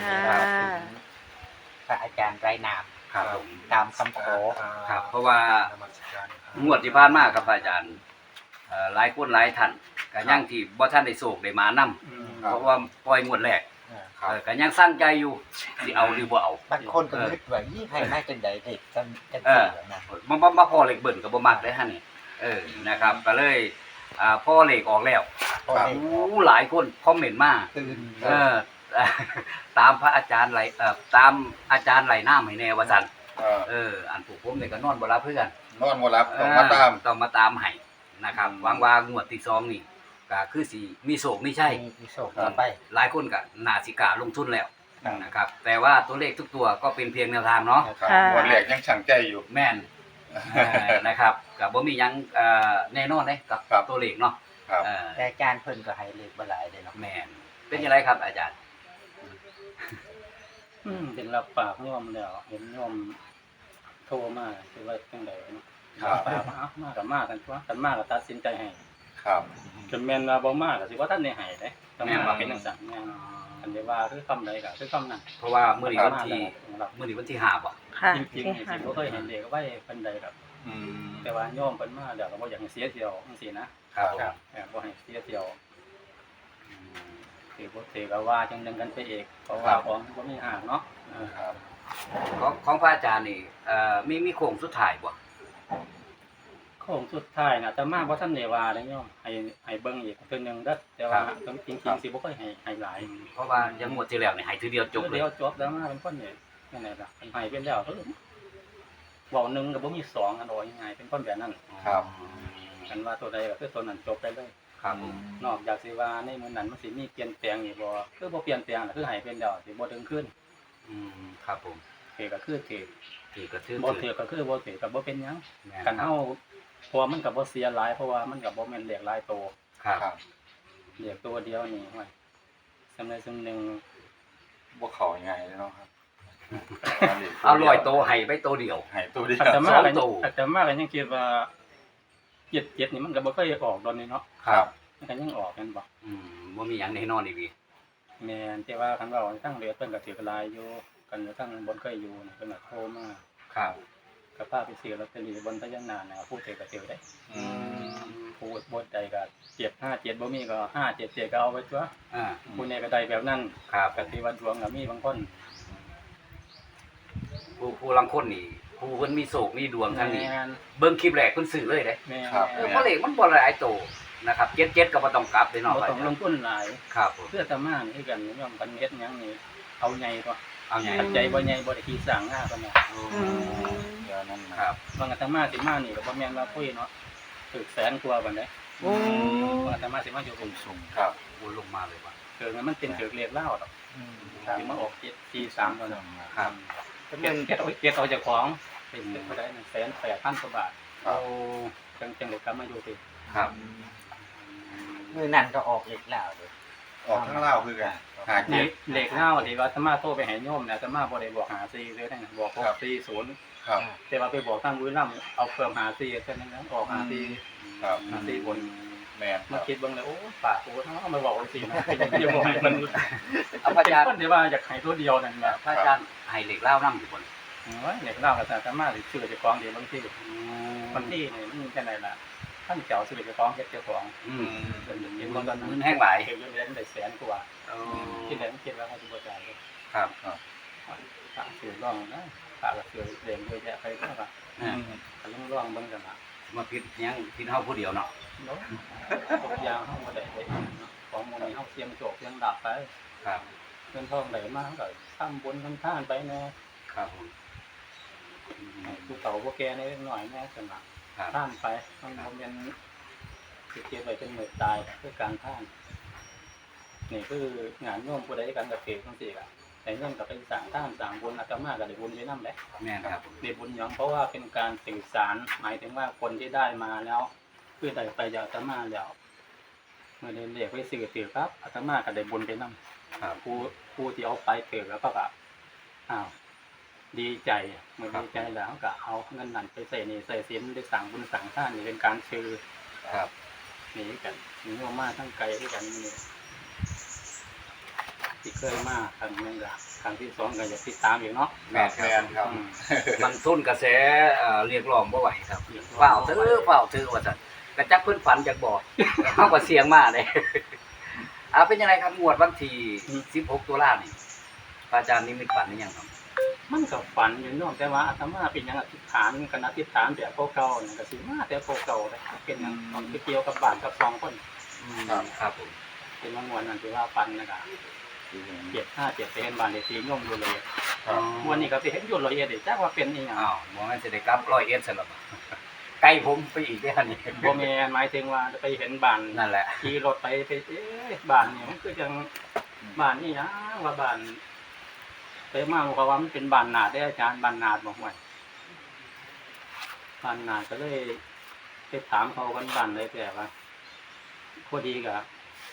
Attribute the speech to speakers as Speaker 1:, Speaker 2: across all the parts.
Speaker 1: ค่ะ
Speaker 2: พระอาจารย์ไรนาม
Speaker 3: ครับผม
Speaker 2: ตามคำขอ
Speaker 3: ครับ เพราะว่างวดที่ผ่านมาครับอาจารย์หลายคนหลายท่านก็ยังที่บ่ทันได้โศกได้มานำเพราะว่าปล่อยงวดแรกก็ยังสร้างใจอยู่สิเอาหรือบ่เอา
Speaker 2: บางคนก็นึกว่ายี่ให้มาจังใดเด็กจังสี่นะ
Speaker 3: มาพอเลขเบิ่นก็บ่มักได้ฮะนี่นะครับก็เลยพอเลขออกแล้ว
Speaker 2: พอได้
Speaker 3: หลายคนคอมเมนต์มา
Speaker 2: ตื่น
Speaker 3: ตามพระอาจารย์ไหลตามอาจารย์ไหลน้ำให้แน่ว่าซั่น อันผูกผมนี่ก็นอนบ่รับเพื่อน
Speaker 4: นอนบ่รับต้องมาตาม
Speaker 3: ต้องมาตามให้นะครับหวังว่างวดที่2นี่ก็คือสิมีโศกมีชัย
Speaker 2: มีโชคต่อไป
Speaker 3: หลายคนก็น่าสิกล้าลงทุนแล้ว
Speaker 2: ครับ
Speaker 3: นะครับแต่ว่าตัวเลขทุกตัวก็เป็นเพียงแนวทางเนาะ
Speaker 4: ครับ
Speaker 1: ค่ะ
Speaker 4: วันแรกยังช่างใจอยู่
Speaker 3: แม่นนะครับก็บ่มีหยังแน่นอนเด้กับ
Speaker 4: ครับ
Speaker 3: ตัวเลขเนาะ
Speaker 4: ครับ
Speaker 2: แต่อาจารย์เพิ่นก็ให้เลขบ่หลายเด้เนาะ
Speaker 3: แม่นเป็นจังไดครับอาจารย์
Speaker 5: เป็นรับปากโยมแล้วเห็นโยมโทรมาคือว่าจังไดเนาะ
Speaker 4: ครับ
Speaker 5: ปากมากับมากันตัวกันมาก็ตัดสินใจให้
Speaker 4: ครับ
Speaker 5: จนแม่นว่าบ่มาก็สิว่าท่านได้ให้เด้ต้องมาเป็นจังซั่นแม่นอันนี้ว่าคือคำใดก็คือคำนั้น
Speaker 3: เพราะว่ามื้อนี้วันที่
Speaker 5: รับ
Speaker 3: มื้อนี้วันที่5บ่
Speaker 1: ค่ะ
Speaker 5: จริงๆนี่สิบ่เคยเห็นเด็กไว้ปานใดดอก
Speaker 4: อืม
Speaker 5: แต่ว่าโยมเพิ่นมาแล้วก็บ่อยากให้เสียเที่ยวจังซี่นะครับ
Speaker 4: ครับ
Speaker 5: บ่ให้เสียเที่ยวสิบ่ถือก็ว่าจังนึงกันไปเองเพราะว่าของบ่มีห่างเนาะ
Speaker 4: ครับ
Speaker 3: ของพระอาจารย์นี่มีโค้งสุดท้ายบ่
Speaker 5: โค้งสุดท้ายน่ะแต่มาบ่ทันได้ว่าเด้โยมให้เบิ่งอีกเทื่อนึงเด้อแต่ว่าจริงๆสิบ่ค่อยให้หลาย
Speaker 3: เพราะว่ายังงวดที่แล้วนี่ให้ทีเดียวจบเลย
Speaker 5: เดี๋ยวจบแล้วมาเป็นคนนี่จังไดล่ะให้เป็นแล้วเว้าหนึงก็บ่มีสองอันโอยง่ายเป็นคนแบบนั้น
Speaker 4: ครับ
Speaker 5: กันว่าตัวใดก็คือตัวนั้นจบไปเลย
Speaker 3: ครับผม
Speaker 5: นอกจากสิว่าในมื้อนั้นมันสิมีเปลี่ยนแปลงอีกบ่คือบ่เปลี่ยนแปลงคือให้เป็นแล้วสิบ่ถึงขึ้น
Speaker 3: ครับผม
Speaker 5: เทก็คือเท
Speaker 3: ถือกระทืบ
Speaker 5: บ่เทก็คือบ่เทก็บ่เป็นหยัง
Speaker 3: แม่
Speaker 5: กันเฮาเพราะว่ามันก็บ่เสียหลายเพราะว่ามันก็บ่แม่นเลขหลายโต
Speaker 3: ครับ
Speaker 4: ครับ
Speaker 5: เลขตัวเดียวนี่ห้วยสำใดสำหนึง
Speaker 4: บ่เข้ายังไงเลยเนาะครับ
Speaker 3: เอาลอยโตให้ไปโตเดียว
Speaker 4: ให้ตัวเดียว
Speaker 5: อาตมา
Speaker 3: สอง
Speaker 5: ก็
Speaker 3: โต
Speaker 5: อาตมาก็ยังคิดว่า7นี่มันก็บ่เคยออกดอนนี่เนาะ
Speaker 4: ครับ
Speaker 5: มันก็ยังออกกันบ่
Speaker 3: บ่มีหยังแน่นอนอีกพี่
Speaker 5: แม่นแต่ว่าคันว่าทั้งเหลือเพิ่นก็ถือหลายอยู่กันอยู่ทั้งบนเคยอยู่นี่เพิ่นก็โทรมา
Speaker 3: ครับ
Speaker 5: ก็พาไปซื้อลอตเตอรี่บนพญานาคนะครับผู้ถือก็ถือได้
Speaker 4: อืม
Speaker 5: ผู้บ่ใดก็757บ่มีก็577ก็เอาไว้ตัว
Speaker 3: อ่า
Speaker 5: ผู้นี้ก็ได้แบบนั้น
Speaker 3: ครับ
Speaker 5: ก็สิว่าดวงก็มีบางคน
Speaker 3: ผู้ลังคนนี่ผู้เพิ่นมีโศกมีดวงทางนี้
Speaker 5: แม่น
Speaker 3: เบิ่งคลิปแรกเพิ่นซื้อเลยเด้
Speaker 5: แม่น
Speaker 3: เพราะเลขมันบ่หลายโตนะครับ77ก็บ่ต้องกลับเด้เนาะ
Speaker 5: บ่ต้องลงทุนหลาย
Speaker 3: ครับผม
Speaker 5: เพื่อตะมานี่คือกันยอมกันเฮ็ดหยังนี่เอาใหญ่ตัว
Speaker 3: เอาไง
Speaker 5: ปัจจัยบ่ใหญ่บ่ได้ขี้สร้างงาปานนั้น
Speaker 4: เดี๋ยวนั้น
Speaker 3: ค
Speaker 4: นะ
Speaker 3: รับ
Speaker 5: บางอาตมาสิมานี่ก็บ่แม่นว่าคุยเนาะถึกแสนกว่าบัดนี้
Speaker 1: โอ้
Speaker 5: บางอาตมาสิมาอยู่กรุง
Speaker 3: สูง
Speaker 4: ครับ
Speaker 3: วนลงมาเลยว่ะ
Speaker 5: เกิดมันเป็นเกิดเรียกเล่าดอกสิมาออก743ตัวนึง
Speaker 3: ครับ
Speaker 5: เก็บเอาจากของเป็นเท่าไหร่1,800,000กว่าบาท
Speaker 4: ครับ
Speaker 5: จังได้กลับมาอยู่ติ
Speaker 3: ครับ
Speaker 2: มื้อนั้นก็ออกเลขแล้วเด้
Speaker 4: ออกทั้งเล่าคือกันหาเก็บ
Speaker 5: เลขเล่าที่ว่าอาตมาโทรไปให้โยมเนี่ยอาตมาบ่ได้บอก54เลยนะบอก640
Speaker 4: ครับ
Speaker 5: แต่ว่าไปบอกทางบุรีรัมย์เอาเพิ่ม54แค่นั้นนะออก54
Speaker 4: ครับ
Speaker 5: 54บน
Speaker 4: แม่นค
Speaker 5: มา
Speaker 4: รับ
Speaker 5: คิดเบิ่งแล้วโอ้ปากกูเฮามาบอกจังซี่นะอย่าบอกให้มัน
Speaker 3: เอาพระอาจารย์
Speaker 5: คนที่ว่าอยากให้ตัวเดียวนั่นแหละ
Speaker 3: พระอาจารย์ให้เลขเล่านำอยู่บน
Speaker 5: โอ้ยเลขเล่าก็อาตมาสิชื่อเจ้าของเดียวบางทีบางทีนี่มันจังได๋ล่ะท่านเจ้าซื้อเจ้าของเฮ็ดเจ้าของ เป็นอย่างนี้มันก็
Speaker 3: เงินแห้งหลาย
Speaker 5: เก็บเงินเดือนได้แสนกว่าที่ไหนมันคิดว่าเขาจะบ่จ่ายเลย
Speaker 3: ครับ
Speaker 5: ฝากซื้อร่องนะฝากซื้อเรียนด้วยแยะไปเท่าไหร่ก็ต้องร่องเบิ่งกันนะ
Speaker 3: มาพิดยังพิดเฮาผู้เดียวเนาะ
Speaker 5: เนาะทุกอย่างเฮาบ่ได้ไปของมื้อนี้เฮาเสียงโจกเสียงดาบไป
Speaker 3: ครับ
Speaker 5: เงินทองไหลมาก็ทำบุญทำทานไปแน่
Speaker 3: ครับผม
Speaker 5: ผู้เฒ่าผู้แก่นิดหน่อยแน่จังหวะ
Speaker 3: ครับ
Speaker 5: ท่านไปมันบ่แม่นสิเก็บไว้เป็นมื้อตายคือการท่านนี่คืองานโยมผู้ใดกันกับเกิดจังซี่ล่ะแต่เงินก็เป็นสร้างท่านสร้างบุญอาตมาก็ได้บุญไปนำแหละ
Speaker 3: แม่นครับ
Speaker 5: ได้บุญหยังเพราะว่าเป็นการสื่อสารหมายถึงว่าคนที่ได้มาแล้วคือได้ไปจากอาตมาแล้วเมื่อได้เรียกไปสื่อถือครับอาตมาก็ได้บุญไปนำ
Speaker 3: ครับ
Speaker 5: ผู้ที่เอาไปถือแล้วก็แบบอ้าวดีใจเมื่อดีใจแล้วก็เอาเงินนั้นไปใส่นี่ใส่สินได้สั่งบุญสั่งท่านนี่เป็นการชื่อ
Speaker 3: ครับ
Speaker 5: นี่กันนี่ว่ามาทั้งไกลด้วยกันนี่ที่เคยมาครั้งหนึงก็ครั้งที่สองก็อยากติดตามอีกเนาะ
Speaker 3: แม่น
Speaker 4: แมนครับ
Speaker 5: อืม
Speaker 3: มันทุนกระแสเรียกร้องบ่ไหวครับเฝ้าถือว่าซั่นกระจักเพิ่นฝันจากบ่ เฮาก็เสียงมาเด้ เป็นยังไงครับงวดวันที่16ตุลานี่พระอาจารย์นิมิตฝันหรือยังครับ
Speaker 5: มันก็ฝันอยู่เนาะแต่ว่าอาตมาเป็นหยังอธิษฐานกันอธิษฐานแบบเก่าๆนี่ก็สิมาแต่เก่าๆเลยเป็นหยังต้องไปเกี่ยวกับบ้านกับสองคน
Speaker 3: ครับผม
Speaker 5: เป็นมางวดนั้นที่ว่าฝันนะครับ757ไปเห็นบ้านเลขที่ย่อมอยู่เลย
Speaker 4: ครับ
Speaker 5: วันนี้ก็ไปเห็นอยู่ร้อยเอ็ดจักว่าเป็นอีหยัง
Speaker 3: อ้าวบ่แม่นสิได้กลับ101ซั่นล่ะบ่ใกล้ผมไปอีกเด้อนี่
Speaker 5: บ่แม่นหมายถึงว่าไปเห็นบ้าน
Speaker 3: นั่นแหละ
Speaker 5: ขี่รถไปบ้านนี่มันคือจังบ้านนี่นะว่าบ้านไปมาบอกว่ามันเป็นบ้านนาดได้อาจารย์บ้านนาดบอกว่าบ้านนาดก็เลยไปถามเขากันบ้านเลยแต่ว่าพอดีกับ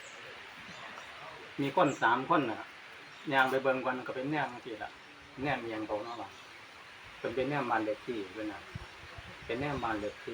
Speaker 5: มีคน3 คนน่ะย่างไปเบิ่งกันก็เป็นแนมจังซี่ล่ะแนมเมียงเขาเนาะว่าเป็นแนมบ้านเลขที่เพิ่นน่ะเป็นแนมบ้านเลขที่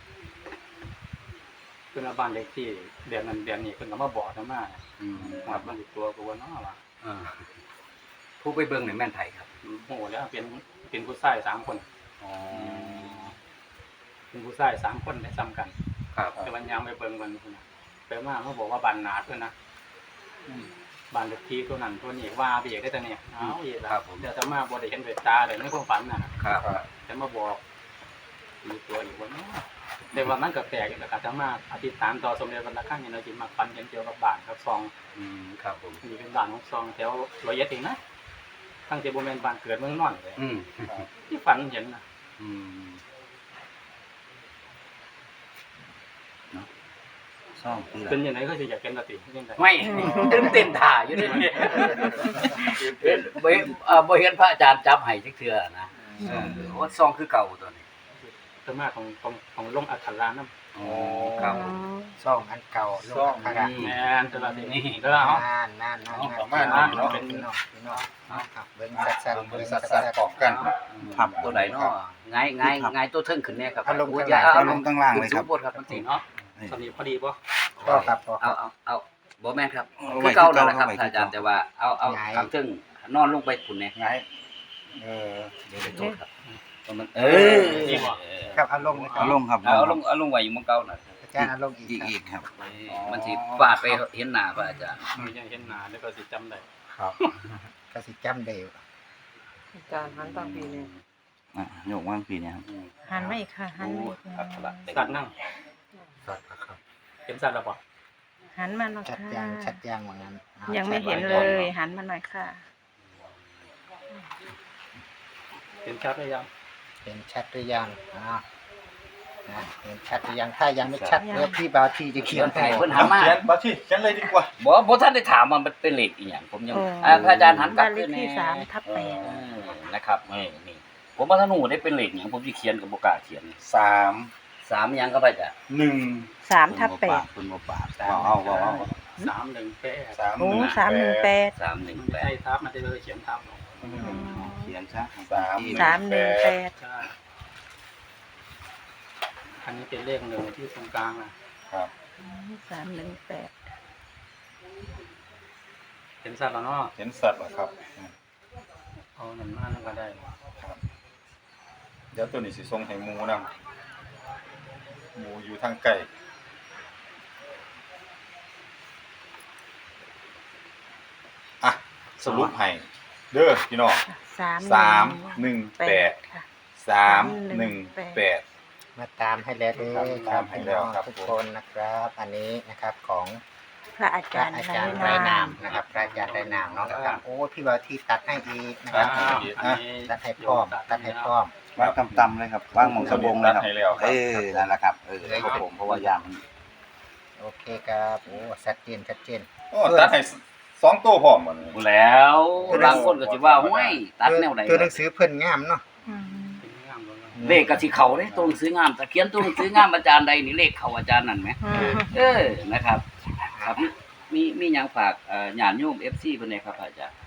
Speaker 5: เพิ่นเอาบ้านเลขที่เดือนนั้นเดือนนี้เพิ่นก็มาบอกอาตมา ว่ามันติดตัวกูว่าเนาะว่า
Speaker 3: ผู้ไปเบิ่งนี่แม่นไผครับ
Speaker 5: โหแล้วเป็นผู้ชาย3 คน
Speaker 3: อ๋อ
Speaker 5: เป็นผู้ชาย3 คนได้ซ้ำกัน
Speaker 3: ครับ
Speaker 5: แต่วันยางไปเบิ่งมันพุ่นน่ะไปมาเขาบอกว่าบ้านนาดเพิ่นนะบ้านเลขที่ตัวนั้นตัวนี้ว่าไปอีกได้แต่เนี่ยเอาอีกแล้วเดี๋ยวจะมาบ่ได้เห็นด้วยตาแต่ในความฝันน่ะ
Speaker 3: ครับ
Speaker 5: แต่มาบอกมีตัวอีกว่าเนาะแต่ว่ามันก็แปลกอยู่แล้วก็จะมาอธิษฐานต่อสมเด็จพระราชาเนี่ยเราสิมาฝันเกี่ยวกับบ้านกับซอง
Speaker 3: ครับผม
Speaker 5: นี่เป็นบ้านของซองแถวร้อยเอ็ดเองนะตั้งแต่บ่แม่นบ้านเกิดเมืองนอนเลยที่ฝันเห็นนะ
Speaker 2: ซ่องคือ
Speaker 5: เป็นยังไงก็สิอยากเป็นกติยังไง
Speaker 3: ไม่ตื่นเต้นถ่าอยู่นี่บ่เห็นพระอาจารย์จับให้จักเทื่อนะโอ้ซองคือเก่าตัวนี้
Speaker 5: สมาของลงอัครานํ
Speaker 3: อ๋อครับ
Speaker 2: ซ่องอันเก่าลงอัน
Speaker 5: แม่นตลอดนี่เด้อเฮา
Speaker 2: นั่น
Speaker 4: ประมาณนั้นเนาะ
Speaker 5: เป็น
Speaker 2: พี่น้องครับเบิ้งสัด
Speaker 4: เบิ่งสัดๆกรอบกัน
Speaker 3: ครับตัวใดเนาะไงตัวเทิงขึ้นแน่ครับ
Speaker 2: อารมณ์
Speaker 3: โย
Speaker 2: ข้างล่างเลยครับ
Speaker 3: สูงบดครับมันสิ
Speaker 5: เนาะสนิทพอดีบ่
Speaker 2: ก็ครับก็ค
Speaker 3: เอา
Speaker 2: รับ
Speaker 3: บ่แม่นครับคือเก่านั่นแหละครับอาจารย์แต่ว่าเอา
Speaker 2: ย้าย
Speaker 3: ทางเทิงนอนลงไปพุ่นแน่
Speaker 4: ไง
Speaker 3: เดี๋ยวไปโทษครับมัน
Speaker 5: นี่บ่
Speaker 2: ครับอารมณ์
Speaker 1: เอาลงครับ
Speaker 3: เอาลงไว้อยู่หมื้อเก่าน่ะ
Speaker 2: อาจารย์อารมณ์อีก
Speaker 1: อีกครับ
Speaker 3: มันสิฟาดไปเห็นหน้าพระอาจารย์
Speaker 5: มันยังเห็นหน้าแล้วก็สิจำได้
Speaker 2: ครับก็สิจำได้
Speaker 6: อาจารย์หันตั้งปีนี้
Speaker 1: โยกว่างปีเนี่ยครับ
Speaker 6: หันไม่ค่ะหันไม่ค่ะ
Speaker 5: สัตว์นั่ง
Speaker 2: สัตว์ครับ
Speaker 5: เห็นสัตว์แล้วบ่
Speaker 6: หันมาหน่อย
Speaker 2: ชัด
Speaker 6: ค่ะ
Speaker 2: ยางเหมือนกัน
Speaker 6: ยังไม่เห็นเลย หันมาหน่อยค่ะ
Speaker 5: เห็นชัดหรือยัง
Speaker 2: เห็นชัดหรือยังเห็นชัดหรือยังถ้ายังไม่ชัดเดี๋ยวพี่บาวที่จะเขียนให้
Speaker 3: เพิ่นหันมา
Speaker 4: เขียนบัตรที่เขียนเลยดีกว่า
Speaker 3: บ่ทันได้ถามว่ามันเป็นเลขอีหยังผมยัง
Speaker 6: อ๋อ
Speaker 3: พระอาจารย์หันกลับ
Speaker 6: บ้านเลขที่
Speaker 3: แน่
Speaker 6: 3/8
Speaker 3: นะครับนี่ผมว่าถ้าหนูได้เป็นเลขหยังผมสิเขียนก็บ่กล้าเขียน
Speaker 4: 3
Speaker 3: 3หยังก็พระอาจารย์
Speaker 4: 1
Speaker 6: 3/8
Speaker 1: คุณบ่ปาก
Speaker 4: เอา
Speaker 5: 318
Speaker 4: 3
Speaker 6: โอ้
Speaker 4: 1
Speaker 6: 318
Speaker 5: มันไม่ใช่
Speaker 3: 318
Speaker 5: ทับมันจะเลยเขียนทับลง
Speaker 1: เขียนซะ
Speaker 6: 318
Speaker 5: ใช่อันนี้เป็นเลขหนึ่งที่ตรงกลางนะครับ
Speaker 6: 318
Speaker 5: เห็นสัตว์แล้วเนาะ
Speaker 4: เห็นสัตว์เหรอครับ
Speaker 5: เอาหนึ่งมานั่นก็ได้
Speaker 4: ครับเดี๋ยวตัวนี้สิส่งให้หมูนำหมูอยู่ทางไกลสรุปให้เด้อพี่น้อง
Speaker 6: 318 ค่ะ
Speaker 4: 318
Speaker 2: มาตามให้แล้วด้วยครับพี่น้องทุกคนนะครับ อันนี้นะครับของ
Speaker 6: พระอา
Speaker 2: พ
Speaker 6: จา
Speaker 2: ระ
Speaker 6: รย์
Speaker 2: อาจารย์ไร้นามนะครับพระอาจารย์ไร้นามเนาะครับโอ้พี่บาวที่ตัดให้อีกนะครับ ตัดให้พร้อมตัดให้พร้อม
Speaker 1: ว่างต่ำๆเลยครับว่างหมองสะบงเลยครับ
Speaker 4: ให้แล้วครับ
Speaker 1: นั่นแหละครับครับผมเพราะว่ายามมัน
Speaker 2: โอเคครับโอ้ชัดเจน
Speaker 4: โอ้ตัดให้2ตัวพร้อมหมด
Speaker 3: แล้วบางคนก็สิว่าห้วยตัดแนวใด
Speaker 2: ตัวหนังสือเพิ่นงามเนาะ
Speaker 6: อืม
Speaker 5: เป็นงามเลย
Speaker 3: เลขก็สิเข้าเด้ตัวหนังสืองามแต่เขียนตัวหนังสืองามอาจารย์ใดนี่เลขเข้าอาจารย์นั่นแหมนะครับ ครับมีหยังฝากญาติโยม FC เพิ่นได้ครับอาจารย์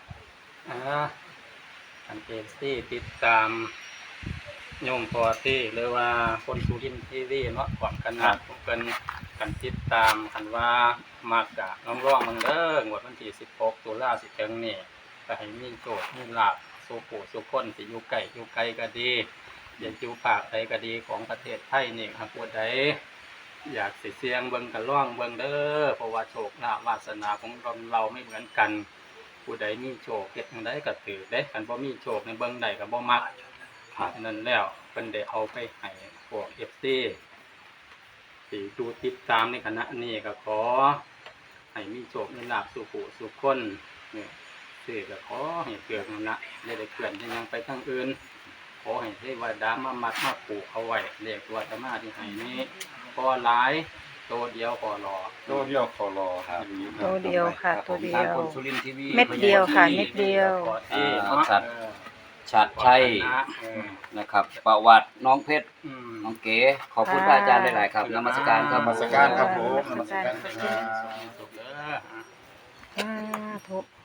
Speaker 5: อันเอฟซีติดตามโยมพอที่หรือว่าคนสุรินทร์ทีวีเนาะความกันนะผมเป็นกันติดตามคันว่ามากกะน้องร้องมึงเด้องวดวันที่16ตุลาสิถึงนี่ก็ให้มีโจทย์มีลาภสู่ผู้สู่คนสิอยู่ไกลก็ดีอย่าอยู่ภาคใดก็ดีของประเทศไทยนี่หากผู้ใดอยากสิเสี่ยงเบิ่งก็ลองเบิ่งเด้อเพราะว่าโชคลาภวาสนาของเราไม่เหมือนกันผู้ใดมีโชคเฮ็ดจังไดก็ถือเด้คันบ่มีโชคในเบิ่งใดก็บ่มักนั่นแล้วเพิ่นได้เอาไปให้พวก FC ที่ดูติดตามในคณะนี้ก็ขอให้มีโชคมีลาภสู่ผู้สู่คนเนี่ยสิก็ขอให้เกิดนั่นนะได้เกิดยังไปทางอื่นขอให้เทวดามามัดมาปลูกเอาไว้เลขตัวธรรมะที่ให้นี้พอหลายตัวเดียวพอรอ
Speaker 4: ตัวเดียวขอรอ
Speaker 1: ครับ
Speaker 6: ตัวเดียวค่ะ ตัวเดี
Speaker 3: ทาง
Speaker 6: ยว
Speaker 3: คนสุรินทร์ทีวี
Speaker 6: เม็ดเดียวค่ะเม็ดเดียว
Speaker 5: ขอที่
Speaker 3: ชัดชัดชัย
Speaker 5: เออ
Speaker 3: นะครับ ประวัติน้องเพชร
Speaker 5: อืม
Speaker 3: น้องเก๋ขอบคุณพระอาจารย์หลายๆครับนมัสการครับ
Speaker 4: นมัสการครับผม
Speaker 6: นมัสการ
Speaker 5: สุขเด้อ
Speaker 6: สาธุ